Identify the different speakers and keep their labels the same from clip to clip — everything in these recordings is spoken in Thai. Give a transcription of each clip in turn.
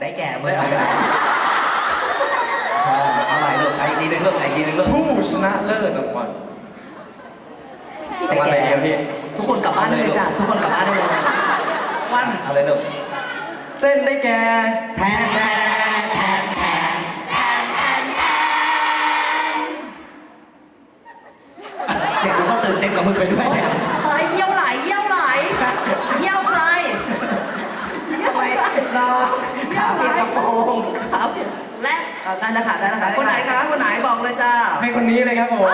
Speaker 1: ได้แก่เมื่อไหร่เอาใหม่ลูกอีกทีนึงลูกอีกทีนึงลูก
Speaker 2: ผู้ชนะเลิศรางวัลรางวัลอะไรเนี่ยพี่
Speaker 1: ทุกคนกลับบ้านได้เลยจ้ะทุกคนกลับบ้านได้เลยวันเอาเลยลูก
Speaker 2: เต้นได้แก่
Speaker 1: แทนแทนแทนแทนเด็กกูก็ตื่นเต้นกับมึงไปด้วยเฮ้ยเยี่ยวไหลเยี่ยวไหลเยี่ยวใครเยี่ยวไหลรอขาเปียกกระโปรงขาเปียกและได้แล้วค่ะได้แล้วค่ะคนไหนคะคนไหนบอกเลยจ้า
Speaker 2: ให้คนนี้เลยครับผม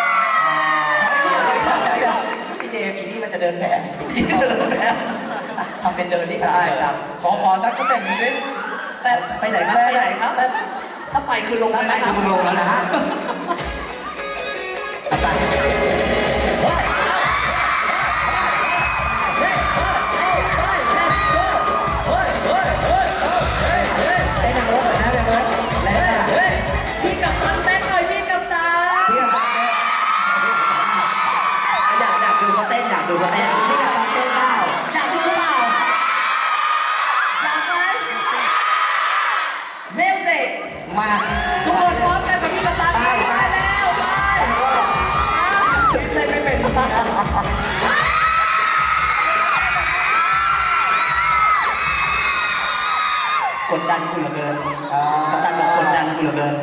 Speaker 1: พี่เจมีนี่มันจะเดินแผลทำเป็นเดินนี่ได้จ้ะ
Speaker 2: ขอสักสเต็ปหนึ่งสิ
Speaker 1: แต่ไปไหนครับไปไหนครับถ้าไปคือลงแล้วนะคือลงแล้วนะฮะพี่กัปตันเต้นหน่อยพี่กัปตันอยากดูเขาเต้นอยากดูเขาเต้นพี่กัปตันเต้นเปล่าอยากดูหรือเปล่าอยากไหมมิวสิกมา